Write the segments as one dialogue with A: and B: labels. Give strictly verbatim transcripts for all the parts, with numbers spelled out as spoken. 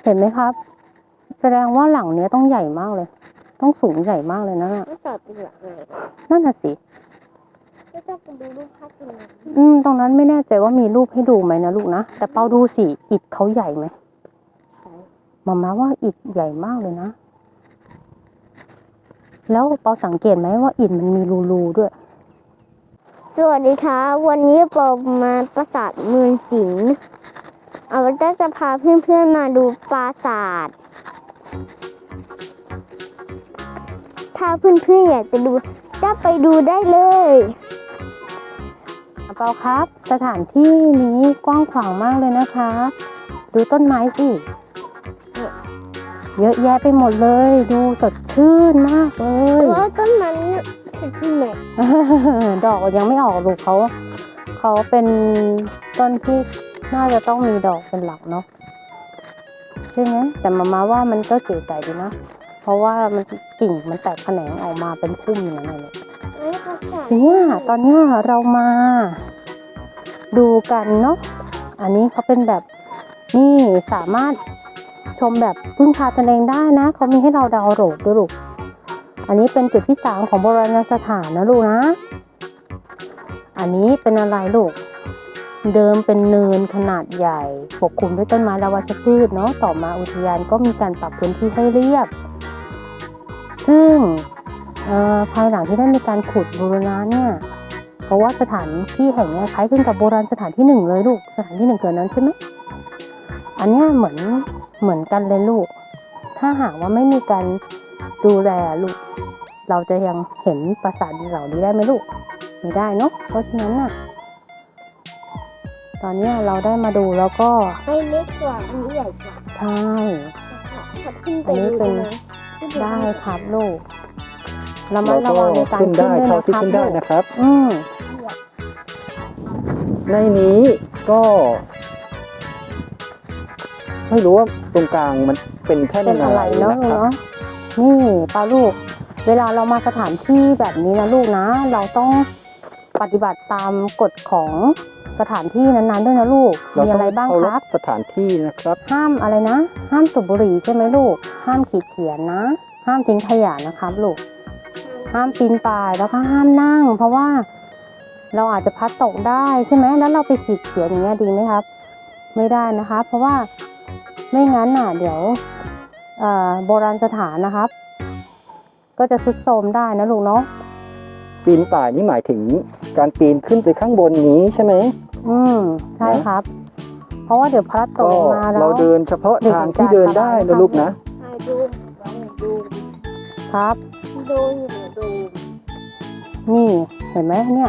A: เห็นไหมครับ แสดงว่าหลังเนี้ยต้องใหญ่มากเลย ต้องสูงใหญ่มากเลยนะน่ะ
B: ไม่จอดเป็นหลักเลย
A: นั่นน่ะสิ
B: ก็ต้องไปดูรูปภาพจริง
A: อืมตรงนั้นไม่แน่ใจว่ามีรูปให้ดูไหมนะลูกนะแต่เปาดูสิอิฐเขาใหญ่ไหมมาม่าว่าอิฐใหญ่มากเลยนะแล้วเปาสังเกตไหมว่าอิฐมันมีรูๆด้วย
B: สวัสดีค่ะวันนี้ปอมาปราสาทเมืองสิงห์เอาไว้จะพาเพื่อนๆมาดูปราสาทถ้าเพื่อนๆอยากจะดูจะไปดูได้เลย
A: เปาครับ สถานที่นี้กว้างขวางมากเลยนะคะดูต้นไม้สิเยอะแยะไปหมดเลยดูสดชื่นมากเลย
B: เพราะต้นไม้เป็นที่ไหน
A: ดอกยังไม่ออกลูกเขาเขาเป็นต้นที่น่าจะต้องมีดอกเป็นหลักเนาะใช่ไหมแต่มามาว่ามันก็เก๋ไก่ดีนะเพราะว่ามันกิ่งมันแตกแขนงออกมาเป็นพุ่มอย่างนั้นเลยเนี่ยตอนนี้เรามาดูกันเนาะอันนี้เขาเป็นแบบนี่สามารถชมแบบพึ่งพาตนเองได้นะเขามีให้เราดาวน์โหลดด้วยลูกอันนี้เป็นจุดที่สามของโบราณสถานนะลูกนะอันนี้เป็นอะไรลูกเดิมเป็นเนินขนาดใหญ่ปกคลุมด้วยต้นไม้และวัชพืชเนาะต่อมาอุทยานก็มีการปรับพื้นที่ให้เรียบซึ่งภายหลังที่ได้มีการขุดบูรณะเนี่ยเพราะว่าสถานที่แห่งนี้คล้ายคลึงกับโบราณสถานที่หนึ่งเลยลูกสถานที่หนึ่งเกิดนั้นใช่ไหมอันนี้เหมือนเหมือนกันเลยลูกถ้าหากว่าไม่มีการดูแลลูกเราจะยังเห็นปราสาทเหล่านี้ได้ไหมลูกไม่ได้เนาะเพราะฉะนั้นน่ะตอนนี้เราได้มาดูแล้วก็
B: ไม่เล็กกว่าอันนี้ใหญ่กว่า
A: ใช่
B: อันนี้เป็น
A: ได้ครับลูกเรามาระวังในการขึ้นได้
C: เท่าที่ขึ้นได้นะครับ
A: อืม
C: ในนี้ก็ไม่รู้ว่าตรงกลางมันเป็นแท่นอะไร
A: เนาะเนาะนี่ป้าลูกเวลาเรามาสถานที่แบบนี้นะลูกนะเราต้องปฏิบัติตามกฎของสถานที่นั้นๆด้วยนะลูกมีอะไรบ้างครับ
C: สถานที่นะครับ
A: ห้ามอะไรนะห้ามสูบบุหรี่ใช่ไหมลูกห้ามขีดเขียนนะห้ามทิ้งขยะนะครับลูกห้ามปีนป่ายแล้วก็ห้ามนั่งเพราะว่าเราอาจจะพัดตกได้ใช่ไหมแล้วเราไปขีดเขียนอย่างเงี้ยดีไหมครับไม่ได้นะคะเพราะว่าไม่งั้นน่ะเดี๋ยวโบราณสถานนะครับก็จะทรุดโทรมได้นะลูกเนาะ
C: ปีนป่ายนี่หมายถึงการปีนขึ้นไปข้างบนนี้ใช่ไหม
A: อืมใช่ครับเพราะว่าเดี๋ยวพัดตกลงมาแล้ว
C: เราเดินเฉพาะทางที่เดินได้นะลูกนะ
B: ดูดู
A: ครับ
B: ดูอยู่ดู
A: นี่เห็นไหมเนี่ย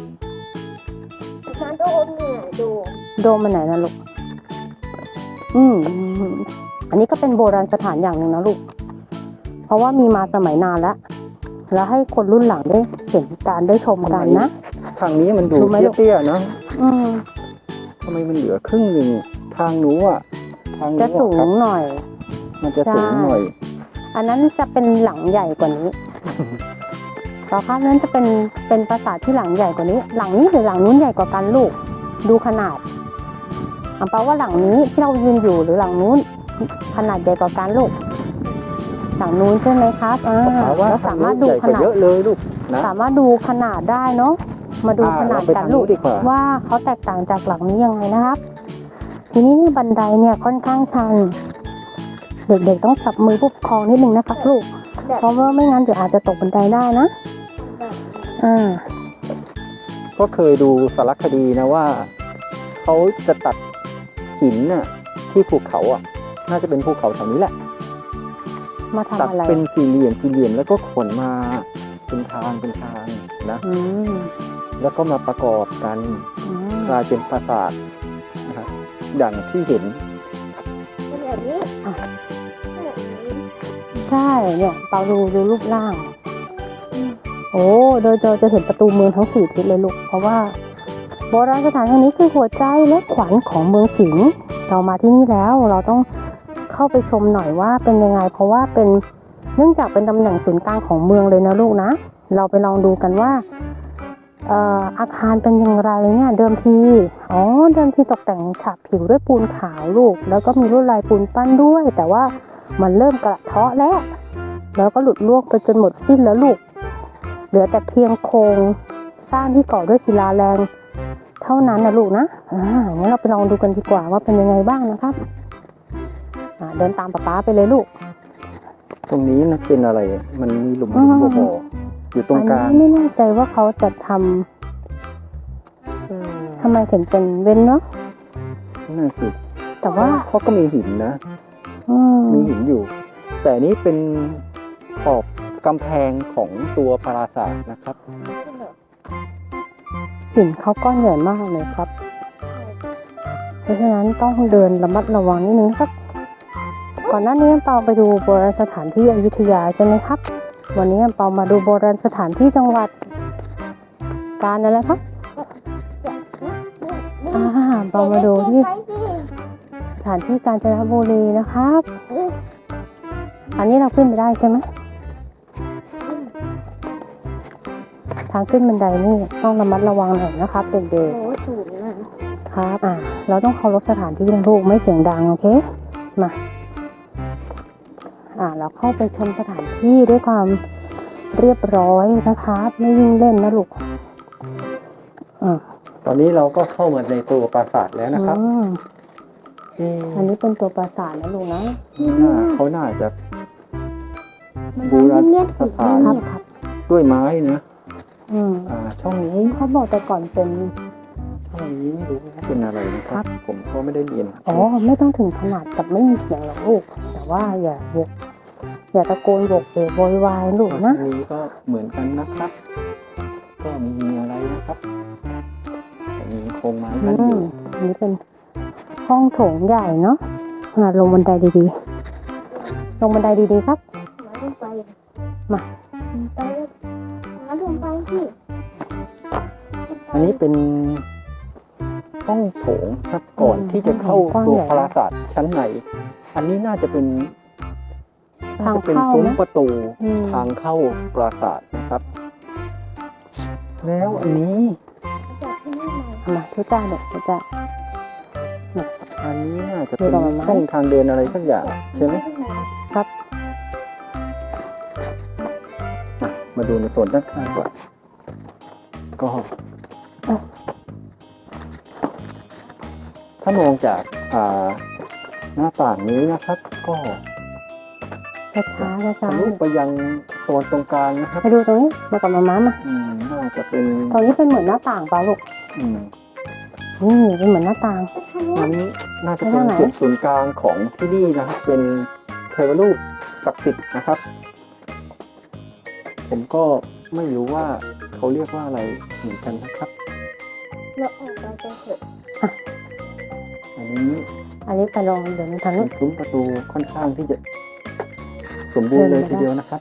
B: โดมเนี่ยโดม
A: โดมมันไหนนะลูกอืมอันนี้ก็เป็นโบราณสถานอย่างหนึ่งนะลูกเพราะว่ามีมาสมัยนานแล้วแล้วให้คนรุ่นหลังได้เห็นการได้ชมกันนะ
C: ทางนี้มันดูเตี้ยๆนะ
A: อืม
C: ทำไมมันเหลือครึ่งหนึ่งทางนู้อ่ะ
A: ทางจะสูงหน่อย
C: มันจะสูงหน่อย
A: อันนั้นจะเป็นหลังใหญ่กว่านี้ต่อข้ามนั้นจะเป็นเป็นปราสาทที่หลังใหญ่กว่านี้หลังนี้หรือหลังนู้นใหญ่กว่ากันลูกดูขนาดอันแปลว่าหลังนี้ที่เรายืนอยู่หรือหลังนู้นขนาดใหญ่กว่ากันลูกหลังนู้นใช่ไหมครับอ่าเราสามารถดูขนาด
C: เยอะเลยลูกนะ
A: สามารถดูขนาดได้เนาะมาดูขนาดกันลูกว่าเขาแตกต่างจากหลังนี้ยังไงนะครับทีนี้นี่บันไดเนี่ยค่อนข้างชันเด็กๆต้องจับมือผู้ปกครองนิดนึงนะครับลูกเพราะว่าไม่งั้นเดี๋ยวอาจจะตกบันไดได้นะอ่า
C: ก็เคยดูสารคดีนะว่าเขาจะตัดหินน่ะที่ภูเขาอ่ะน่าจะเป็นภูเขาแถวนี้แหละ
A: มาทำอะไร
C: ตัดเป็นสี่เหลี่ยมสี่เหลี่ยมแล้วก็ขนมาเป็นทางเป็นทางนะแล้วก็มาประกอบกันกลายเป็นปราสาทนะครับอย่างที่เห็น
B: แบบนี้
A: ใช่เนี่ยเปาดูดูรูปร่างโอ้โดยจะเห็นประตูเมืองทั้งสี่ทิศเลยลูกเพราะว่าโบราณสถานแห่งนี้คือหัวใจและขวัญของเมืองสิงห์เรามาที่นี่แล้วเราต้องเข้าไปชมหน่อยว่าเป็นยังไงเพราะว่าเป็นเนื่องจากเป็นตำแหน่งศูนย์กลางของเมืองเลยนะลูกนะเราไปลองดูกันว่าเอ่ออาคารเป็นอย่างไรเนี่ยเดิมทีอ๋อเดิมทีตกแต่งฉาบผิวด้วยปูนขาวลูกแล้วก็มีลวดลายปูนปั้นด้วย แต่ว่ามันเริ่มกระเทาะแล้วแล้วก็หลุดล่วงไปจนหมดสิ้นแล้วลูกเหลือแต่เพียงโครงสร้างที่ก่อด้วยศิลาแรงเท่านั้นนะลูกนะอ่างั้นเราไปลองดูกันดีกว่าว่าเป็นยังไงบ้างนะครับอ่าเดินตามป๊าป๊าไปเลยลูก
C: ตรงนี้นะเป็นอะไรอะมันมีหลุมหลุมบ่อบ่ออยู่ตรงกลาง
A: อันนี้ไม่แน่ใจว่าเขาจะทำทำไมถึงเป็นเว้นเนาะ
C: นั่นสิ
A: แต่ว่า
C: เขาก็มีหินนะ
A: อืม
C: มีหินอยู่ แต่อันนี้เป็นขอบกำแพงของตัวปราสาทนะครับ
A: หินเขาก้อนใหญ่มากเลยครับ เพราะฉะนั้นต้องเดินระมัดระวังนิดนึงครับ ก่อนหน้านี้เปาไปดูโบราณสถานที่อยุธยาใช่ไหมครับ วันนี้เปามาดูโบราณสถานที่จังหวัดกาญอะไรครับ อ่าเปามาดูที่สถานที่กาญจนบุรีนะครับ อันนี้เราขึ้นไปได้ใช่ไหมทางขึ้นบันไดนี่ต้องระมัดระวังหน่อยนะครับเด็ก
B: โอ้สูงอ่ะ
A: ๆครับอ่าเราต้องเคารพสถานที่นะลูกไม่เสียงดังโอเคมาอ่าเราเข้าไปชมสถานที่ด้วยความเรียบร้อยนะครับไม่วิ่งเล่นนะลูกอ่า
C: ตอนนี้เราก็เข้ามาในตัวปราสาทแล้วนะครับ
A: อืม
C: เอ๊ะ
A: อันนี้เป็นตัวปราสาทนะลูกนะ
C: น่าเขาน่าจะ
B: มัน
C: บูร
B: เงียบ
C: ณ
B: ๆ
C: สถาน
A: ครับครับ
C: ด้วยไม้นะ
A: อืม
C: อ่า ช่องนี้
A: เขาบอกแต่ก่อนเป็น
C: ช่องนี้ไม่รู้ว่าเป็นอะไรนะครับ ผมก็ไม่ได้เรียน
A: อ๋อไม่ต้องถึงขนาดกับไม่มีเสียงหรอกลูกแต่ว่าอย่าอย่าอย่าตะโกนโวกเวกโวยวายลูก
C: ช่
A: นะ
C: องนี้ก็เหมือนกันนะครับ ก็ไมมีอะไรนะครับแต่มีโครงไม้
A: อื
C: กั้นอ
A: ม
C: ยู่
A: อันนี้เป็นห้องโถงใหญ่เนาะอ่าลงบันไดดีๆ ลงบันไดดีๆครับ
B: มาลงไป
A: มา
B: ไปมาลงไปที่
C: อันนี้เป็นห้องโถงครับก่อนที่จะเข้าตัวปราสาทชั้นใน อันนี้น่าจะเป็นน่าจะเป็นซุ้มประตู
A: อืม
C: ทางเข้าปราสาทนะครับ แล้วอันนี้
B: จากที่นี่มา
A: มาทุจ้าเด็กทุจ้า
C: อันนี้น่าจะ
A: ดู
C: เป็น
A: ต่อมาไหม
C: ช่องทางเดินอะไรสักอย่างใช่ไหม
A: ครับ
C: อ่ะมาดูในโซนด้านข้างก่อนก็ ถ้ามองจากอ่าหน้าต่างนี้นะครับ ก็
A: ช้าช้าช้าช้า
C: ทะลุไปยังโซนตรงกลางนะครับ
A: ไปดูตรงนี้มากับมาม้ามา
C: อืมน่าจะเป็น
A: ตรงนี้เป็นเหมือนหน้าต่างเปล่าลูก
C: อืม
A: นี่เป็นเหมือนหน้าต่าง
C: อันนี้น่าจะเป็น
A: ไปทางไหน
C: จุดศูนย์กลางของที่นี่นะครับ เป็นเทวรูปศักดิ์สิทธิ์นะครับ ผมก็ไม่รู้ว่าเขาเรียกว่าอะไรเหมือนกันนะครับ
B: เราออกไปกันเถอะ
C: อันนี้
A: อันนี้ไปลองเดินทางนู้
C: เป็น นซุ้มประตูค่อนข้างที่จะสมบูรณ์เลยทีเดียวนะครับ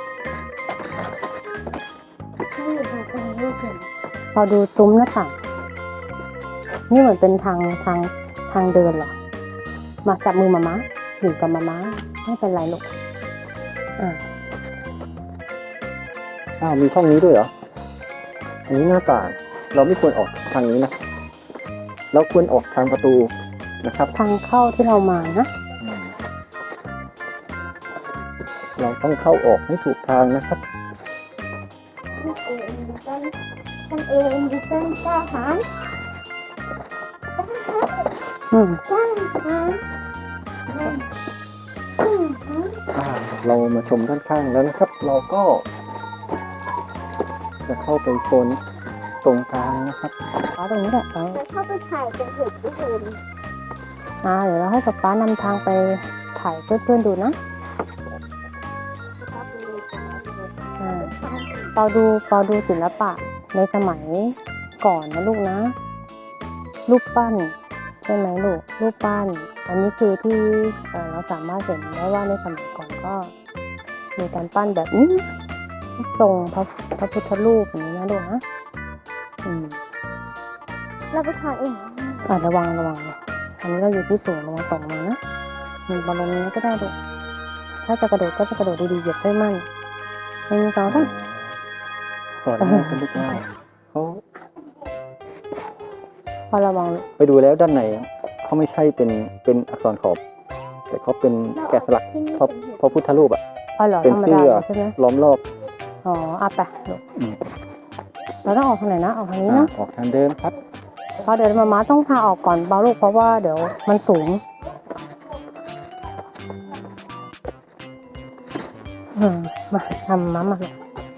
B: ไม่อยู่ตรงกลางลูกเห็น
A: เราดูซุ้มหน้าต่าง นี่เหมือนเป็นทางทางทางเดินเหรอ มาจับมือมาม้าอยู่กับมาม้าไม่เป็นไรลูกอ่า
C: อ้าวมีช่องนี้ด้วยเหรอ อันนี้หน้าต่าง เราไม่ควรออกทางนี้นะ เราควรออกทางประตูนะครับ
A: ทางเข้าที่เรามานะ
C: อืมเราต้องเข้าออกให้ถูกทางนะครับ
B: ท่านเองดิฉันท่านเองดิฉันกล้าหาญ
A: อืม
B: กล้าหาญอืม
C: อ่าเรามาชมด้านข้างแล้วนะครับ เราก็ จะเข้าไปโซนตรงกลางนะครับ
A: ป้าตรงนี้แหละเอา
B: จะเข้าไปถ่ายกันเถอะทุกคน
A: อ่าเดี๋ยวเราให้ป๊าป๊านำทางไปถ่ายเพื่อนๆดูนะ
B: ครับเลย
A: อ่าเปาดูเปาดูศิลปะในสมัยก่อนนะลูกนะ รูปปั้นใช่ไหมลูกรูปปั้น อันนี้คือที่เอ่อเราสามารถเห็นได้ว่าในสมัยก่อนก็มีการปั้นแบบนี้ทรงพระพระพุทธรูปอย่างนี้นะลูกนะอืม
B: เราไปถ่ายเอง
A: อ่าระวังระวังนะอันนี้เราอยู่ที่สูงระวังตกมานะมีบอลลงนี้ก็ได้ลูกถ้าจะกระโดดก็จะกระโดดดีๆเหยียบให้มั่นหนึ่งสองสาม
C: ก่อนหน้าเขาเรียกว่าเขา
A: อระวัง
C: ไปดูแล้วด้านในเขาไม่ใช่เป็นเป็นอักษรขอบ แต่เขาเป็นแกะสลักพระพระพุทธรูปอะ
A: อ๋อเหรอ
C: เป็น
A: ธรรม
C: เสื้
A: ดา
C: อ
A: ใช่ไหม
C: ล้อมรอบ
A: อ๋ออ่ะไปลูก
C: อืม
A: เราต้องออกทางไหนนะออกทางนี้
C: อ่า
A: เนาะ
C: ออกทางเดิมครับ
A: เพราะเดี๋ยวมาม่าต้องพาออกก่อนเบาลูกเพราะว่าเดี๋ยวมันสูงอืมมาทำมามาลูก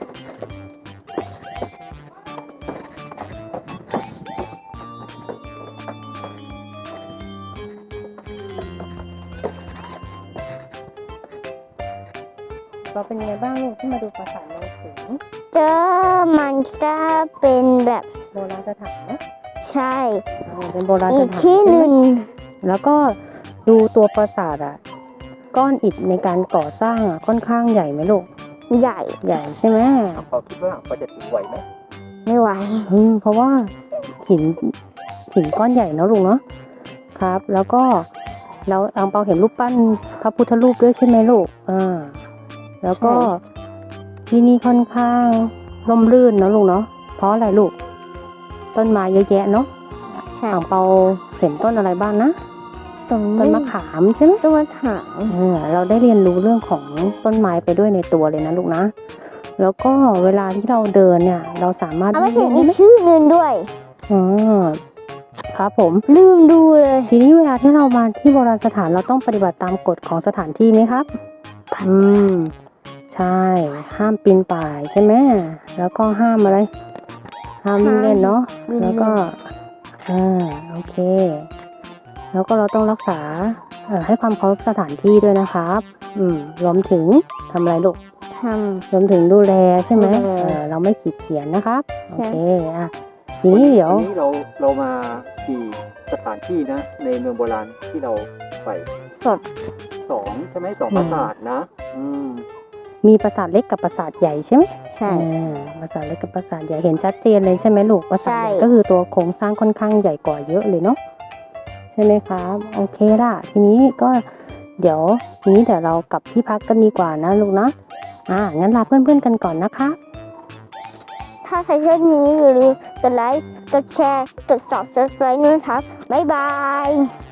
A: เราเป็นไงบ้างลูกที่มาดูปราสาทเมืองสิงห์
B: เจอมันก็เป็นแบบ
A: โบราณสถานนะ
B: ใช่
A: เออเป็นโบราณ
B: อี
A: ส
B: ก
A: ถาน
B: ที่ห
A: ใช่
B: นึ่ง
A: ไหมแล้วก็ดูตัวปราสาทอ่ะ ก้อนอิฐในการก่อสร้างอ่ะค่อนข้างใหญ่ไหมลูก
B: ใหญ่
A: ใหญ่ใช่ไหม
C: เขาคิดว่าเขาจะถือไหวไหม
B: ไม่ไหว
A: อืมเพราะว่าหินหินก้อนใหญ่เนอะลุงเนาะครับ แล้วก็แล้วอังเปาเห็นรูปปั้นพระพุทธรูปด้วยใช่ไหมลูกอ่าแล้วก็
B: ใช่
A: ที่นี่ค่อนข้างร่มรื่นเนอะลุงเนาะเพราะอะไรลูก ต้นไม้เยอะแยะเนาะ
B: ใช่
A: อ่างเปาเห็นต้นอะไรบ้างนะ
B: ตรง
A: ต้นมะขามใช่ไหม
B: ต้นมะขาม
A: เออเราได้เรียนรู้เรื่องของต้นไม้ไปด้วยในตัวเลยนะลูกนะ แล้วก็เวลาที่เราเดินเนี่ย เราสามารถ
B: เอาไป
A: เล่
B: เห็น
A: นได้
B: อี
A: ไหม
B: กชื่อหนึ่งด้วย
A: อ๋อครับผม
B: ลืมดูเลย
A: ทีนี้เวลาที่เรามาที่โบราณสถานเราต้องปฏิบัติตามกฎของสถานที่ไหมครับ อืม ใช่ ห้ามปีนป่ายใช่ไหมแล้วก็ห้ามอะไร ห้ามวิ่งเล่นเนาะ
B: วิ่ง
A: แล้ว
B: เล่น
A: ก็อ่าโอเค แล้วก็เราต้องรักษาเอ่อให้ความเคารพสถานที่ด้วยนะครับ อืม รวมถึงทำอะไรลูก
B: ท
A: รวมถึงดูแลใช่ไหม
B: ดูแล
A: เออเราไม่ขีดเขียนนะครับ โอ
B: ใช่
A: เคอ่ะทีนี้เดี๋ยว
C: วันนี้เราเรามากี่สถานที่นะ ในเมืองโบราณที่เราไป
B: ำสด
C: สองใช่ไหมสองปราสาทนะ อืม
A: มีปราสาทเล็กกับปราสาทใหญ่ใช่ไหม
B: ใช่
A: อ่าปราสาทเล็กกับปราสาทใหญ่เห็นชัดเจนเลยใช่ไหมลูกปราสาทใหญ่
B: ใช่
A: ก็คือตัวโครงสร้างค่อนข้างใหญ่กว่าเยอะเลยเนาะใช่ไหมครับโอเคล่ะ ทีนี้ก็เดี๋ยวทีนี้เดี๋ยวเรากลับที่พักกันดีกว่านะลูกนะอ่างั้นลาเพื่อนๆกันก่อนนะคะ
B: ถ้าใครชอบนี้อย่าลืมกดไลค์ กดแชร์ กด ซับสไครบ์ ด้วยนะครับ บ๊ายบาย